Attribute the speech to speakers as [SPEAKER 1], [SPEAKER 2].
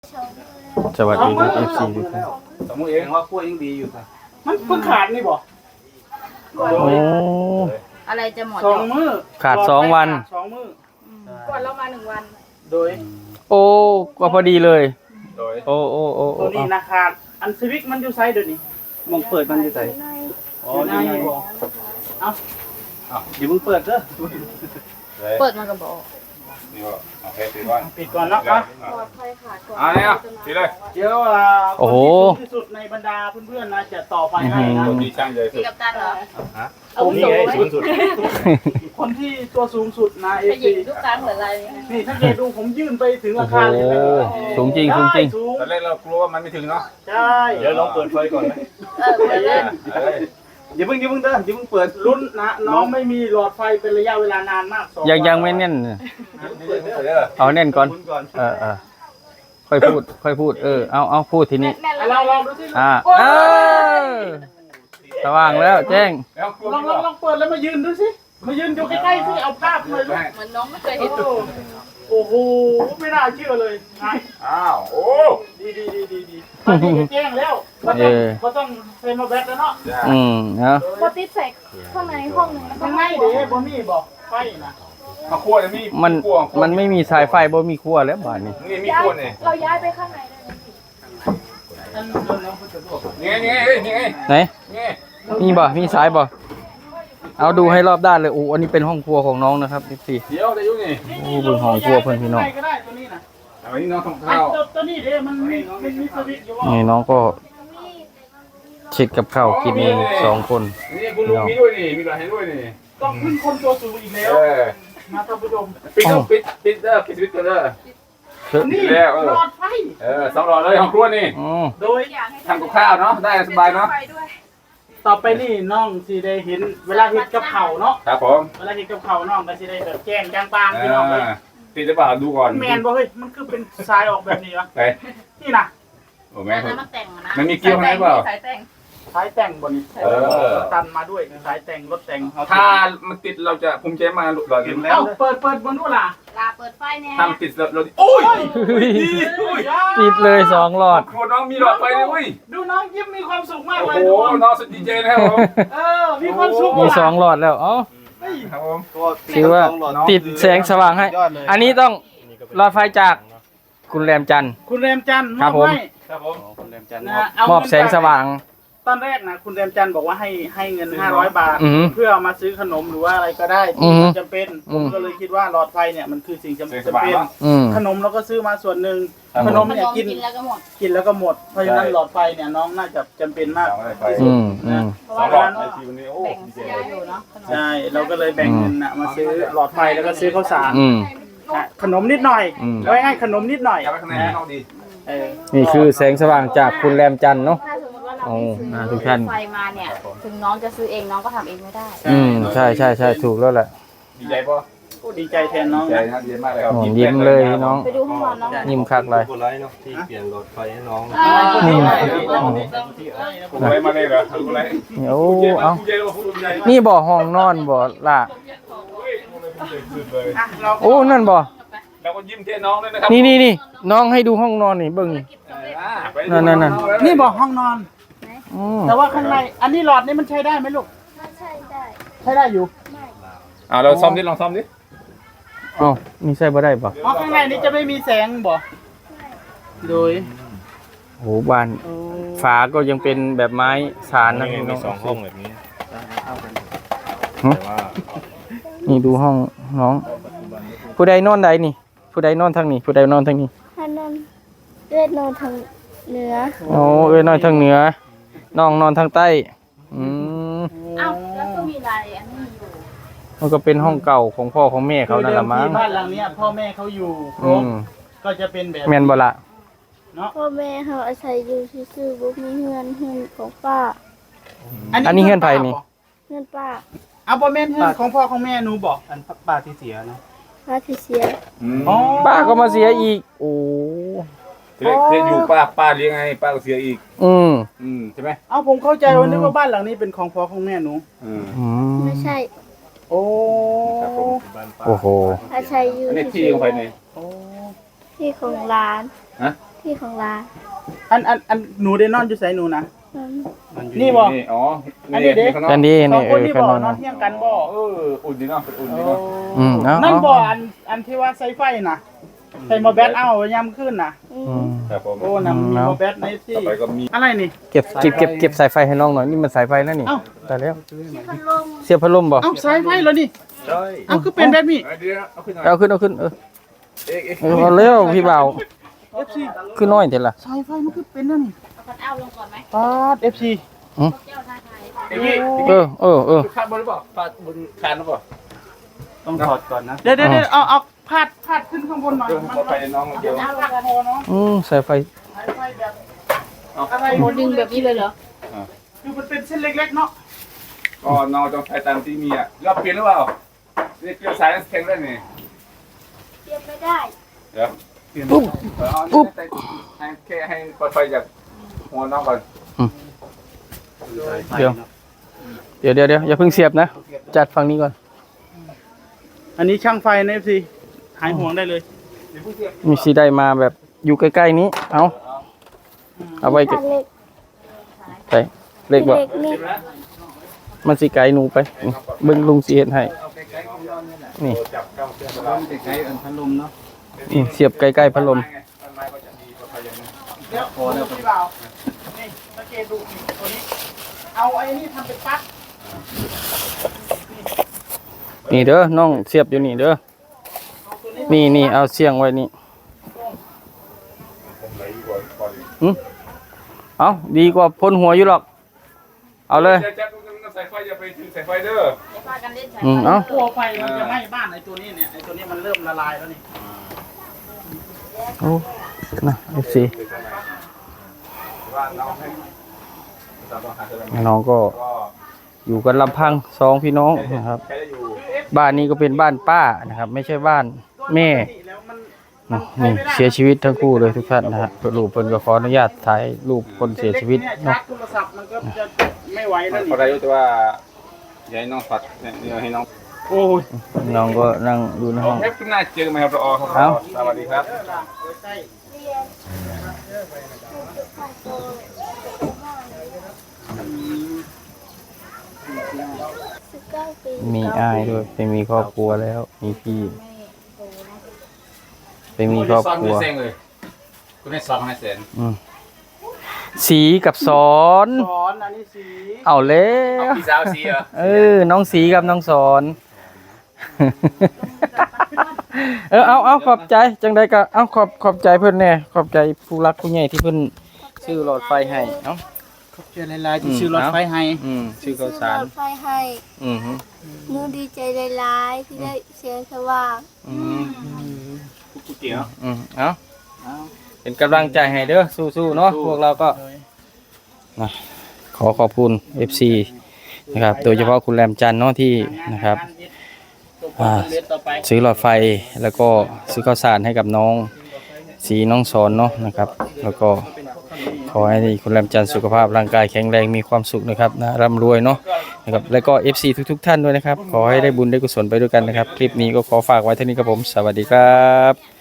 [SPEAKER 1] สวัสดีครับ FC ทุกท่าน
[SPEAKER 2] สมมติเองว่าขั้วยังดีอยู่ค่ะ
[SPEAKER 3] มันเพิ่งขาดนี่บ่
[SPEAKER 1] โอ้
[SPEAKER 4] อะไรจะหมด
[SPEAKER 3] สองมื้อ
[SPEAKER 1] ขาด2 วัน
[SPEAKER 3] สองมื้อ
[SPEAKER 4] ก่อนเรามา1 วัน
[SPEAKER 3] โดย
[SPEAKER 1] โอ้ก็พอดีเลย
[SPEAKER 2] โดย
[SPEAKER 1] โอ้โอ้โอ้
[SPEAKER 3] ตัวนี้นะขาดอันสวิกมันอยู่ไซด์เดี๋ยวนี้
[SPEAKER 2] มองเปิดมันจะใส่
[SPEAKER 3] อ๋อนี่บ่
[SPEAKER 2] อย่าเพิ่งเปิดเด้อ
[SPEAKER 4] เปิดมากับบอก
[SPEAKER 2] นี่ก็โอเคปิดก่อน
[SPEAKER 3] ปิดก่อนเนาะอ่ะ
[SPEAKER 4] ปลอดภัยค่ะก่อน
[SPEAKER 2] อ่าเนี่ยปิดเลย
[SPEAKER 3] เดี๋ยวคนที่สูงที่สุดในบรรดาเพื่อนๆนะจะต่อไฟให้นะ
[SPEAKER 2] คนที่ช่างใหญ่สุ
[SPEAKER 4] พี่
[SPEAKER 2] ด
[SPEAKER 4] กัปตันเหรอ
[SPEAKER 3] ผมนี่
[SPEAKER 2] สูงสุด
[SPEAKER 3] คนที่ตัวสูงสุดนะเอ
[SPEAKER 4] ไปหยิ
[SPEAKER 3] ซี
[SPEAKER 4] บลูกตาเหมือนอะไรเนี่ย
[SPEAKER 3] นี่ถ้าเกดูผมยื่นไปถึง
[SPEAKER 1] โอ้
[SPEAKER 3] อา
[SPEAKER 1] โห
[SPEAKER 3] คารเลยนะ
[SPEAKER 1] สูงจริงสูงจริง
[SPEAKER 3] สูง
[SPEAKER 2] ตอนแรกเรากลัวว่ามันไม่ถึงเนาะ
[SPEAKER 3] ใช่
[SPEAKER 2] เดี๋ยวลองเปิดไฟก่อนไหม
[SPEAKER 4] เปิดเล่น
[SPEAKER 2] อย่าเพิ่งเด้ออย่าเพิ่งเปิด
[SPEAKER 3] ลุ้นนะน้องไม่มีหลอดไฟเป็นระยะเวลานานมาก2
[SPEAKER 1] ยัง
[SPEAKER 3] วัน
[SPEAKER 1] ไม่แน่นเนี่ย
[SPEAKER 2] เปิดเด้อ
[SPEAKER 1] เอาแน่นก่อนค่อยพูดเอาพูดทีนี้
[SPEAKER 4] แน่น
[SPEAKER 3] อ่ะ
[SPEAKER 4] แล้ว
[SPEAKER 3] ลองดูสิ
[SPEAKER 1] เออสว่างแล้วแจ้ง
[SPEAKER 2] แล้วกลัว
[SPEAKER 3] ลองเปิดแล้วมายืนดูสิมายืนอยู่ใกล้ๆสิเอาภาพมาเลยลูก
[SPEAKER 4] เหมือนน้องไม่เคยเห็น
[SPEAKER 3] โอ้โหไม่น่าเชื่อเลยนะ
[SPEAKER 2] อ้าวโอ้
[SPEAKER 3] ดีตอนนี้แจ้งแล้วก็ต้องเซ็นมาแบตแล้วเนาะ
[SPEAKER 1] เนาะ
[SPEAKER 4] พอติดใส่ข้างในห้องนึงแล้วก็
[SPEAKER 3] ข้างในเด้บ่มีบอกไฟนะ
[SPEAKER 2] มาขั้วเนี่ยมี
[SPEAKER 1] มันไม่มีสายไฟบ่มีขั้วแล้วบ้านนี้
[SPEAKER 2] นี่มีขั้วเนี่ย
[SPEAKER 4] เราย้ายไปข้างในได้ไหม
[SPEAKER 3] อันนั้นน้องผู้จัดการ
[SPEAKER 2] นี่ไง
[SPEAKER 1] ไหน
[SPEAKER 2] นี่
[SPEAKER 1] มีบ่มีสายบ่เอาดูให้รอบด้านเลยโอ้อันนี้เป็นห้องครัวของน้องนะครับ FC
[SPEAKER 2] เดี๋ยวจะยุ่งนี่
[SPEAKER 1] โอ้บุญของครัวเพิ่นพี่น้อง
[SPEAKER 3] ก็ได้ตัวนี้นะ
[SPEAKER 2] เอาอันนี้น้องทำ
[SPEAKER 3] อัน
[SPEAKER 2] ข้าว
[SPEAKER 3] ตัวนี้เด้มันมีสวิตช์อยู่ว่า
[SPEAKER 1] นี่น้องก็เช็ดกับข้าวกินเอง2 คน
[SPEAKER 2] นี่คุณลุงมีด้วยนี่มีหลานให้ด้วยนี่
[SPEAKER 3] ต้องขึ้นคนตัวสูงอีกแล้ว
[SPEAKER 2] เออ
[SPEAKER 3] มาท่านผู้ชม
[SPEAKER 2] ปิดปิดวิทย์กันเด้อ
[SPEAKER 3] นี่หลอดไฟ
[SPEAKER 2] 2 หลอดเลยของครัวนี่
[SPEAKER 1] อ๋อ
[SPEAKER 3] โดย
[SPEAKER 2] ทำกับข้าวเนาะได้สบายเนาะ
[SPEAKER 4] ไฟด้วย
[SPEAKER 3] ต่อไปนี่น้องสิได้เห็นเวลาเห็ดกับเข่าวเนาะ
[SPEAKER 2] ครับผม
[SPEAKER 3] เวลาเห็ดกับเข่าวน้องก็สิได้แบบแจ้งจางปางพี่น้องเลย
[SPEAKER 2] ติดจะเปล่าดูก่อน
[SPEAKER 3] แมนบ่เฮ้ยมันคือเป็นทรายออกแบบนี้วะ
[SPEAKER 2] ไป
[SPEAKER 3] นี่นะ
[SPEAKER 2] โอ้แม่
[SPEAKER 4] แล้วมันแต่งนะ
[SPEAKER 2] มันมีเกี่ยวไหมเปล่า
[SPEAKER 4] สายแต่ง
[SPEAKER 3] สายแต่งบนนี้ ตันมาด้วยสายแต่งรถแต่ง
[SPEAKER 2] ถ้ามันติดเราจะภูมิใจมาหลุดหลอด
[SPEAKER 3] เอ้าเปิดบนนู้นล่ะ
[SPEAKER 4] ลาเปิดไฟแน่
[SPEAKER 2] ถ้ามันติดเราโอ้ย
[SPEAKER 1] ติดเลย2 หลอด
[SPEAKER 2] ครัวน้องมีหลอดไฟเลยอุ้ย
[SPEAKER 3] ดูน้องยิ้มมีความสุขมาก
[SPEAKER 2] โอ้
[SPEAKER 3] เลย
[SPEAKER 2] โห
[SPEAKER 3] ทุกคน
[SPEAKER 2] น้องสุดดีเจนะครับผม
[SPEAKER 3] มีความสุข
[SPEAKER 1] มี2 หลอดแล้วอ๋อ
[SPEAKER 2] ครับผม
[SPEAKER 1] ถือว่าติดแสงสว่างให้ อันนี้ต้องหลอดไฟจากคุณแรมจันทร์
[SPEAKER 3] คุณแรมจันทร์
[SPEAKER 1] ครับผม
[SPEAKER 2] ครับผม
[SPEAKER 1] มอบแสงสว่าง
[SPEAKER 3] ตอนแรกนะคุณแรมจันทร์บอกว่าให้เงิน500 บาท
[SPEAKER 1] อือหือ
[SPEAKER 3] เพื่อเอามาซื้อขนมหรือว่าอะไรก็ได้
[SPEAKER 1] อื
[SPEAKER 3] ที่
[SPEAKER 1] อหือ
[SPEAKER 3] มันจำเป็น
[SPEAKER 1] อื
[SPEAKER 3] ผม มก็เลยคิดว่าหลอดไฟเนี่ยมันคือสิ่งจำ
[SPEAKER 2] เสียงส
[SPEAKER 3] เป็น
[SPEAKER 2] บายเนาะ
[SPEAKER 3] ขนมเราก็ซื้อมาส่วนหนึ่ง
[SPEAKER 2] ครับผม
[SPEAKER 3] ขนม
[SPEAKER 4] มัน
[SPEAKER 3] เนี่ย
[SPEAKER 4] ลอง
[SPEAKER 3] กิน
[SPEAKER 4] กินแล้วก็หมด
[SPEAKER 3] กินแล้วก็หมด เพราะฉะนั้นหลอดไฟเนี่ยน้องน่าจะจำเป็นมาก
[SPEAKER 1] อืม
[SPEAKER 4] เพราะ
[SPEAKER 2] สอ
[SPEAKER 4] ว่าง
[SPEAKER 2] หลอดในทีวันนี้โอ้
[SPEAKER 4] แบ่ง
[SPEAKER 2] ดีเจ
[SPEAKER 4] เสียอยู่เนาะขนม
[SPEAKER 3] ใช่เราก็เลยแบ่งเงินนะมาซื้อหลอดไฟแล้วก็ซื้อข้าวสาร
[SPEAKER 1] อืม
[SPEAKER 3] นะขนมนิดหน่อย
[SPEAKER 1] อืม
[SPEAKER 3] ไว้ให้ขนมนิดหน่อย
[SPEAKER 2] อยากไปข้างในน้องดี
[SPEAKER 3] เออ
[SPEAKER 1] นี่คือแสงสว่างจากคุณแรมจันทร์เนาะ
[SPEAKER 4] ถ้าสมมติว่าเรา
[SPEAKER 1] โอ้
[SPEAKER 4] ไม่
[SPEAKER 1] ทุ
[SPEAKER 4] ซื้
[SPEAKER 1] กท่าน
[SPEAKER 4] ไฟมาเนี่ย ถึงน้องจะซื้อเองน้องก็ทำเองไม่ได้
[SPEAKER 1] ใช่ถูกแล้วแหละ
[SPEAKER 2] ดีใจป่ะ
[SPEAKER 3] โอ้ดีใจแทนน้อง
[SPEAKER 2] ใจ
[SPEAKER 3] นะ
[SPEAKER 2] นะดีมากเลยครับ
[SPEAKER 1] โอ้ยิ้มเลยพี่น้อง
[SPEAKER 4] ไปดูห้องนอนน้อง
[SPEAKER 1] ยิ้มคักเลย
[SPEAKER 5] คนไลน์เนาะที่เปลี่ยนหลอดไฟให้น้อง
[SPEAKER 2] ผมอะไรมาเลยเหรอผมอะไร
[SPEAKER 1] โอ้
[SPEAKER 2] เอา
[SPEAKER 1] เอานี่บ่ห้องนอนบ่ล่ะ
[SPEAKER 3] อ่ะเรา
[SPEAKER 1] โอ้นั่นบ่
[SPEAKER 2] เราก็ยิ้มเท่น้องด้วยนะครับ
[SPEAKER 1] นี่น้องให้ดูห้องนอนนี่เบิ่ง นั่น
[SPEAKER 3] นี่บอกห้องนอน
[SPEAKER 1] อืม
[SPEAKER 3] แต่ว่าข้างในอันนี้หลอดนี่มันใช้ได้ไหมลูก
[SPEAKER 4] ใช่ได้
[SPEAKER 3] ใช้ได้อยู่
[SPEAKER 2] เราซ่อมดิลองซ่อมดิ
[SPEAKER 1] เอ้านี่ใช่บ่ได้บ่
[SPEAKER 3] เพราะข้างในนี้จะไม่มีแสงบ่โดย
[SPEAKER 1] โหบ้านฝาก็ยังเป็นแบบไม้สารนะ
[SPEAKER 5] มี
[SPEAKER 1] พี่น้อง
[SPEAKER 5] 2 ห้องแบบนี้
[SPEAKER 1] หึ
[SPEAKER 5] แต่ว่า
[SPEAKER 1] นี่ดูห้องน้อง ผู้ใดนอนใดนี่ ผู้ใดนอนทางนี้ ผู้ใดนอนทางนี้
[SPEAKER 6] ถ้านอนเลือดนอนทางเหนือ
[SPEAKER 1] โอ้เอ้ยนอนทางเหนือ น้องนอนทางใต้ อืม
[SPEAKER 4] อ้าวแล้วก็มีอะไรอันนี้อยู่
[SPEAKER 1] มันก็เป็นห้องเก่าของพ่อของแม่เขานั่นละมั้ง
[SPEAKER 3] ที่บ้านหลังเนี้ยพ่อแม่เขาอยู่คร
[SPEAKER 1] อื
[SPEAKER 3] บ
[SPEAKER 1] ม
[SPEAKER 3] ก็จะเป็นแบบ
[SPEAKER 1] แม่นบ่ละ
[SPEAKER 3] เนาะ
[SPEAKER 6] พ่อแม่เขาอาศัยอยู่ซื่อๆบ่มีเฮือนของป้า
[SPEAKER 1] อันนี้เฮือนไผนี่
[SPEAKER 6] เฮือนป้า
[SPEAKER 3] เอาบ่แม่นเฮือนของพ่อของแม่หนูบอก
[SPEAKER 5] อันป้าที่เสียเนาะ
[SPEAKER 6] ป้าที่เสีย
[SPEAKER 3] อ๋อ
[SPEAKER 1] ป้าก็มาเสียอีก โอ้
[SPEAKER 2] เสียอยู่ป้าเลี้ยงไงป้าก็เสียอีก
[SPEAKER 1] อืม
[SPEAKER 2] ใช่ไหม
[SPEAKER 3] เอาผมเข้าใจว่านึกว่าบ้านหลังนี้เป็นของพ่อของแม่หนู
[SPEAKER 1] อืม
[SPEAKER 6] ไม่ใช่
[SPEAKER 3] โอ้
[SPEAKER 2] ครับผม
[SPEAKER 5] บ้านป้า
[SPEAKER 1] โอ้โห
[SPEAKER 6] อาศัยอยู่
[SPEAKER 2] อันนี้ที่ของใครเนี่ย
[SPEAKER 3] โอ้
[SPEAKER 6] ที่ของร้าน
[SPEAKER 2] ฮะ
[SPEAKER 6] ที่ของร้าน
[SPEAKER 3] อันหนูได้นอนอยู่ไสหนูนะ
[SPEAKER 6] นั้น
[SPEAKER 3] นี่บ่
[SPEAKER 2] อ๋อ
[SPEAKER 3] อันนี้เด็ก
[SPEAKER 2] ข้างนอก
[SPEAKER 1] กันดี
[SPEAKER 3] สอ
[SPEAKER 1] นี่
[SPEAKER 3] งคนนี่บ่
[SPEAKER 1] ขนม
[SPEAKER 3] นอนเที่ยงกันบ่
[SPEAKER 2] อุ่นดีเนาะเป็นอุ่นดีเนาะ
[SPEAKER 1] เอา
[SPEAKER 3] นั่น
[SPEAKER 1] เอา
[SPEAKER 3] บ่อันที่ว่าใส่ไฟน่ะใส่หมอแบตเอายามขึ้นน่ะ
[SPEAKER 6] อื
[SPEAKER 1] อื
[SPEAKER 6] ม
[SPEAKER 1] ม
[SPEAKER 2] ครับผม
[SPEAKER 3] โอ้น่ะมีหมอแบตในที่
[SPEAKER 2] ต่อไปก็มี
[SPEAKER 3] อะไรนี่
[SPEAKER 1] เก็บสายไฟให้น้องหน่อยนี่มันสายไฟแล้วนี่
[SPEAKER 3] เอ้า
[SPEAKER 1] แต่แล้ว
[SPEAKER 6] พัดลม
[SPEAKER 1] เสียบพัดลมบ่
[SPEAKER 3] เอ้าสายไฟแล้วนี่
[SPEAKER 2] ใช่
[SPEAKER 3] เอ้าคือเป็นแบบนี้
[SPEAKER 2] เดี๋ยวเอาขึ้นหน่อย
[SPEAKER 1] เอาขึ้นเออ
[SPEAKER 2] เอ๊ะ
[SPEAKER 1] เอาเร็วพี่บ่าว
[SPEAKER 3] FC
[SPEAKER 1] ขึ้นน้อยเถอะล่ะ
[SPEAKER 3] สายไฟมันคือเป็นแล้วนี่
[SPEAKER 4] เอาคันเอาลงก่อนไหม
[SPEAKER 3] ปาด FC
[SPEAKER 4] เจ้าท่าไทย
[SPEAKER 2] เอ๊ะ
[SPEAKER 1] เออ
[SPEAKER 2] คาดบนหรือเปล่าคาดบนคานหรือเปล่า
[SPEAKER 5] ต้องถอดก่อนนะ
[SPEAKER 3] เดี๋ยวเอาพาดขึ้นข้างบนหน่อย
[SPEAKER 2] เดี๋ยวขอไปน้องเดียว
[SPEAKER 3] เอาพาดคอเนาะ
[SPEAKER 1] สายไฟ
[SPEAKER 3] สายไฟแบบอะไร
[SPEAKER 4] โหดึงแบบนี้เลยเหรอ
[SPEAKER 3] คือมันเป็นเส้นเล็กๆเนาะ
[SPEAKER 2] ก็น้องต้องใช้ตามที่มีอ่ะเราเปลี่ยนหรือเปล่านี่เปลี่ยนสายแข็งได้นี่
[SPEAKER 6] เปลี่ยนไม่ได้
[SPEAKER 2] เดี๋ยวปุ๊บให้แค่ให้ปลอดภัยจากหัวน้องก่อน
[SPEAKER 1] เดี๋ยวอย่าเพิ่งเสียบนะ จัดฝั่งนี้ก่อน
[SPEAKER 3] อันนี้ช่างไฟนะ FC หายห่วงได้เลย
[SPEAKER 1] มีสีได้มาแบบอยู่ใกล้ๆนี้เอาไว้
[SPEAKER 6] คันเล็ก
[SPEAKER 1] ใส่เล็กบ่
[SPEAKER 6] เล็กนี่
[SPEAKER 1] มันสิไกลหนูไปนี่เบิ่งลุงสิเฮ็ดให้นี่
[SPEAKER 5] ใช้อันพัดลมเนาะ
[SPEAKER 1] นี่เสียบใกล้ๆพัดลม
[SPEAKER 3] เดี๋ยวพอแล้วพี่บ่าวนี่สังเกตดูนี่ตัวนี้ เอาไอ้นี่ทำเป็นปลั๊ก
[SPEAKER 1] นี่เด้อน้องเสียบอยู่นี่เด้อนี่เอาเสียงไว้นี่เอาดีกว่าพ่นหัวอยู่หรอกเอาเลย
[SPEAKER 2] จะจับสายไฟอย่าไปถึงสายไฟเด้อ
[SPEAKER 4] จะพากันเล่นสาย
[SPEAKER 1] เอา
[SPEAKER 3] กลัวไฟมันจะไหม้บ้านไอ้ตัวนี้เนี่ยไอ้ตัวนี้มันเริ่มละลายแล้วนี่
[SPEAKER 1] โอ้นะFC
[SPEAKER 2] ว่าน้องให้
[SPEAKER 1] น้องก็อยู่กันลำพังสองพี่น้องนะครับ
[SPEAKER 2] ใช้ได้อยู่
[SPEAKER 1] บ้านนี้ก็เป็นบ้านป้านะครับ ไม่ใช่บ้านแม่
[SPEAKER 3] แล้วมัน
[SPEAKER 1] นี่เสียชีวิตทั้งคู่เลยทุกท่านนะฮะลูกเพิ่นก็ขออนุญาตถ่ายรูปคนเสียชีวิต
[SPEAKER 3] เนี่ย
[SPEAKER 1] เนาะ
[SPEAKER 3] ชาร์จโทรศัพท์มันก็จะไม่ไหวแล้ว
[SPEAKER 2] พอได้
[SPEAKER 3] นี่
[SPEAKER 2] รู้แต่ว่าอย่าให้น้องฝัดเนี่ยให้น้อง
[SPEAKER 3] โอ้ย
[SPEAKER 1] น้องก็นั่งอยู่ในห้อง
[SPEAKER 2] เอฟขึ้นหน้าเจอไหมครับรอ
[SPEAKER 1] เอ้า
[SPEAKER 2] สวัสดีครับ
[SPEAKER 3] ใช่
[SPEAKER 6] เรียนของโต19 ปี
[SPEAKER 1] มีอ้ายด้วยไปมีครอบครัวแล้ว มีพี่ไปมีครอบครัว
[SPEAKER 2] คุณให้ซ้อมให้เสร็จ
[SPEAKER 1] สีกับสอน
[SPEAKER 3] สอนอันนี้สี
[SPEAKER 1] เอาแล้ว
[SPEAKER 2] พี่สาวสีเหรอ
[SPEAKER 1] น้องสีกับน้องสอน เอาขอบใจจังใดก็เอาขอบใจเพิ่นแน่ขอบใจผู้รักผู้ใหญ่ที่เพิ่นซื้อหลอดไฟให้เอ้า
[SPEAKER 3] ขอบใจหลายๆที่ซื้อรถไฟให้
[SPEAKER 1] ซื้อข้าวสาร
[SPEAKER 6] ซื้อหลอดไฟให้
[SPEAKER 1] อืมฮึ
[SPEAKER 6] หนูดีใจหลายๆที่ได้เสียงสว่าง
[SPEAKER 2] กูเกี่ยว
[SPEAKER 1] เอาเป็นกำลังใจให้เด้อสู้ๆเนาะพวกเราก็นะขอขอบคุณ FC นะครับโดยเฉพาะคุณแรมจันทร์เนาะที่นะครับ ซื้อหลอดไฟแล้วก็ซื้อข้าวสารให้กับน้องสีน้องสอนเนาะนะครับ แล้วก็ขอให้คุณแรมจันทร์สุขภาพร่างกายแข็งแรงมีความสุขนะครับนะร่ำรวยเนาะนะครับแล้วก็ FC ทุกๆท่านด้วยนะครับ ขอให้ได้บุญได้กุศลไปด้วยกันนะครับ คลิปนี้ก็ขอฝากไว้เท่านี้ครับผมสวัสดีครับ